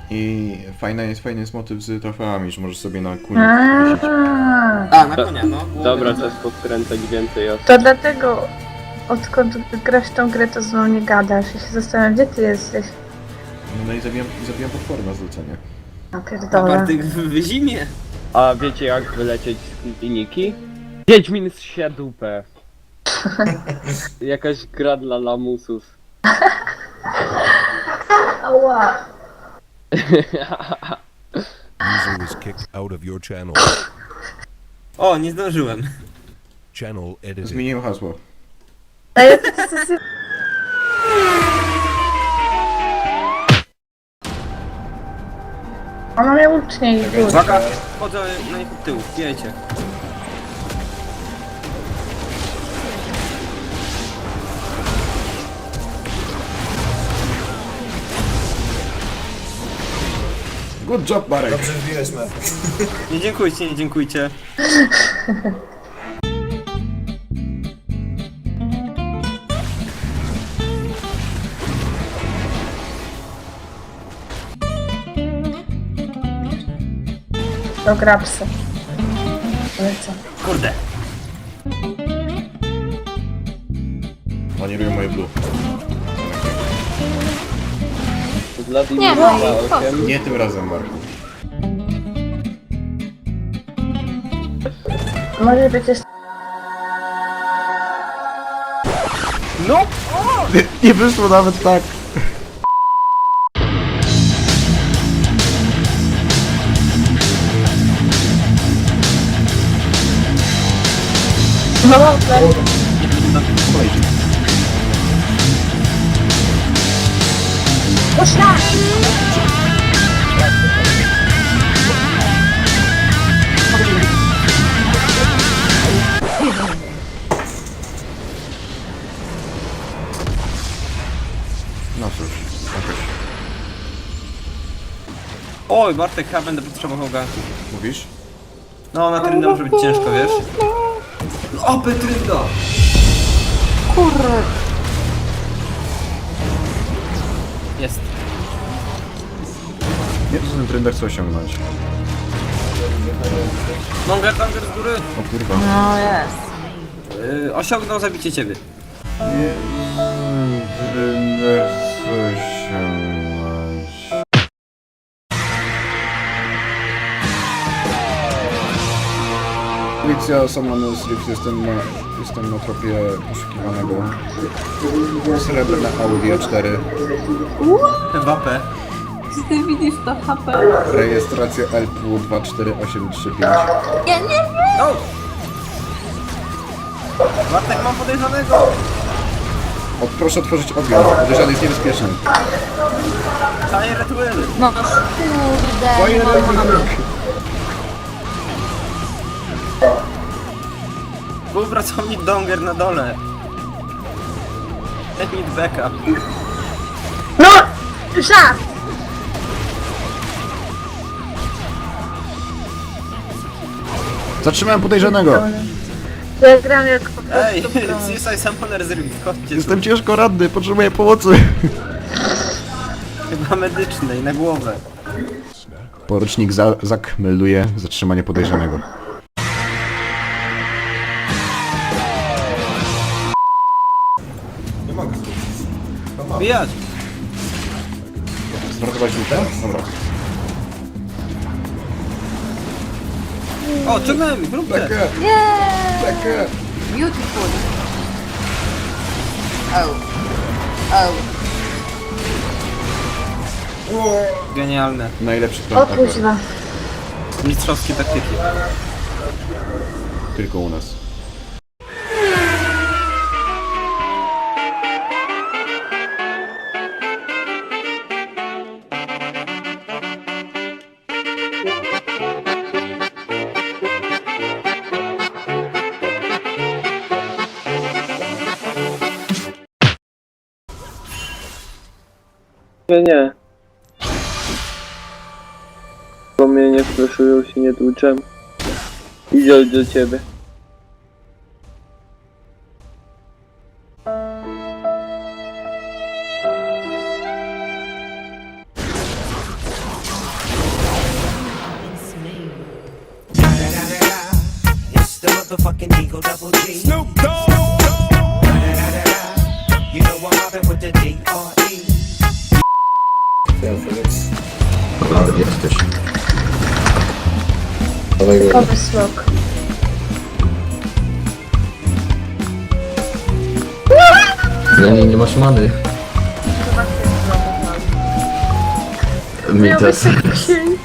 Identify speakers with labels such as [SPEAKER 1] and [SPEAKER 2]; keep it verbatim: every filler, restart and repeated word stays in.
[SPEAKER 1] I fajny jest, fajny jest motyw z trofeami, że możesz sobie na kuli wisieć.
[SPEAKER 2] A, na konia, no.
[SPEAKER 3] Dobra, czas podkręcać więcej osób.
[SPEAKER 4] To dlatego, odkąd grasz tą grę, to z mną nie gadasz. Ja się zastanawiam, gdzie ty jesteś.
[SPEAKER 1] No i zabijam, zabijam potwory na zlecenie.
[SPEAKER 4] A pierdolę.
[SPEAKER 2] Bartek w zimie.
[SPEAKER 3] A wiecie jak wylecieć z kliniki? Wiedźmin zsie dupę. Jakaś gra dla lamusów.
[SPEAKER 4] Ała.
[SPEAKER 5] User was kicked out of your channel.
[SPEAKER 2] O, nie zdążyłem.
[SPEAKER 5] Channel edited.
[SPEAKER 1] Zmieniłem hasło.
[SPEAKER 4] A ja to jest... Ona mnie łucznie i rzuca.
[SPEAKER 2] Uwaga, wchodzę na nich od tyłu, wiecie.
[SPEAKER 1] Good job, Marek.
[SPEAKER 6] Dobrze wbiłeś me.
[SPEAKER 2] Nie dziękujcie, nie dziękujcie.
[SPEAKER 4] Do grapsy. Lecę.
[SPEAKER 2] Kurde.
[SPEAKER 1] Oni robią moje blue.
[SPEAKER 3] Wladimir
[SPEAKER 7] Nie, no
[SPEAKER 3] za
[SPEAKER 7] i
[SPEAKER 3] osiem.
[SPEAKER 1] Nie tym razem, Marku.
[SPEAKER 4] Może być jeszcze...
[SPEAKER 2] No!
[SPEAKER 1] Nie, nie wyszło nawet tak.
[SPEAKER 4] No dobra.
[SPEAKER 1] Poleci.
[SPEAKER 4] Puszczaj!
[SPEAKER 1] No cóż, jakoś.
[SPEAKER 2] Oj, Bartek, ja będę potrzebował ganku.
[SPEAKER 1] Mówisz?
[SPEAKER 2] No, na tryndę może być ciężko, wiesz? O, Petrynda!
[SPEAKER 7] Kurde.
[SPEAKER 2] Jest.
[SPEAKER 1] Nie, to ten trender chce osiągnąć.
[SPEAKER 2] Monger, Monger z góry.
[SPEAKER 1] O kurwa.
[SPEAKER 7] No jest.
[SPEAKER 2] Yy, osiągnął zabicie ciebie.
[SPEAKER 1] Nie, trender chce osiągnąć. Policja, Samanus, Rift, jestem na, jestem na tropie poszukiwanego. Srebrne Audi A cztery.
[SPEAKER 2] W A P.
[SPEAKER 7] Czy ty widzisz to H P?
[SPEAKER 1] Rejestracja L P U dwa cztery osiem trzy pięć.
[SPEAKER 7] Nie, nie, nie.
[SPEAKER 2] No! Bartek, mam podejrzanego!
[SPEAKER 1] O, proszę otworzyć ogień, podejrzany jest niebezpieczny.
[SPEAKER 2] Fire at will!
[SPEAKER 7] No kurde.
[SPEAKER 1] Fire
[SPEAKER 7] nie mam
[SPEAKER 1] at will.
[SPEAKER 2] Współpracownik Donger na dole. I need backup.
[SPEAKER 4] No! Żart!
[SPEAKER 1] Zatrzymałem podejrzanego.
[SPEAKER 4] Ja gram jak po prostu
[SPEAKER 2] Ej,
[SPEAKER 4] pro.
[SPEAKER 2] C S I Summoner z Rift, chodźcie tu.
[SPEAKER 1] Jestem ciężko ranny, potrzebuję pomocy.
[SPEAKER 2] Chyba medycznej, na głowę.
[SPEAKER 1] Porucznik za Zak melduje zatrzymanie podejrzanego.
[SPEAKER 6] Nie mogę.
[SPEAKER 2] Bijać!
[SPEAKER 1] Zmarnować lutę? Dobra.
[SPEAKER 2] O, ciągnąłem ich, róbcie!
[SPEAKER 1] Bekę!
[SPEAKER 7] Yeah.
[SPEAKER 1] Bekę!
[SPEAKER 7] Beautiful. Oh. Oh.
[SPEAKER 2] Genialne.
[SPEAKER 1] Najlepszy
[SPEAKER 4] O
[SPEAKER 1] plan
[SPEAKER 4] kuźwa.
[SPEAKER 2] Mistrzowskie taktyki.
[SPEAKER 1] tylko u nas.
[SPEAKER 3] Nie, nie. Bo mnie nie flaszują, się nie tłuczem. Idzie do ciebie.
[SPEAKER 6] motherfucking Eagle Double G. Snoop Dogg. You know I'm mobbing with the D R E.
[SPEAKER 8] Nawet jesteś. Dawaj go.
[SPEAKER 4] Typowy slok.
[SPEAKER 8] Ja nie, nie masz many.
[SPEAKER 4] Chyba się znowu.
[SPEAKER 8] Mi
[SPEAKER 4] Miał być
[SPEAKER 8] też.
[SPEAKER 4] taki dzień.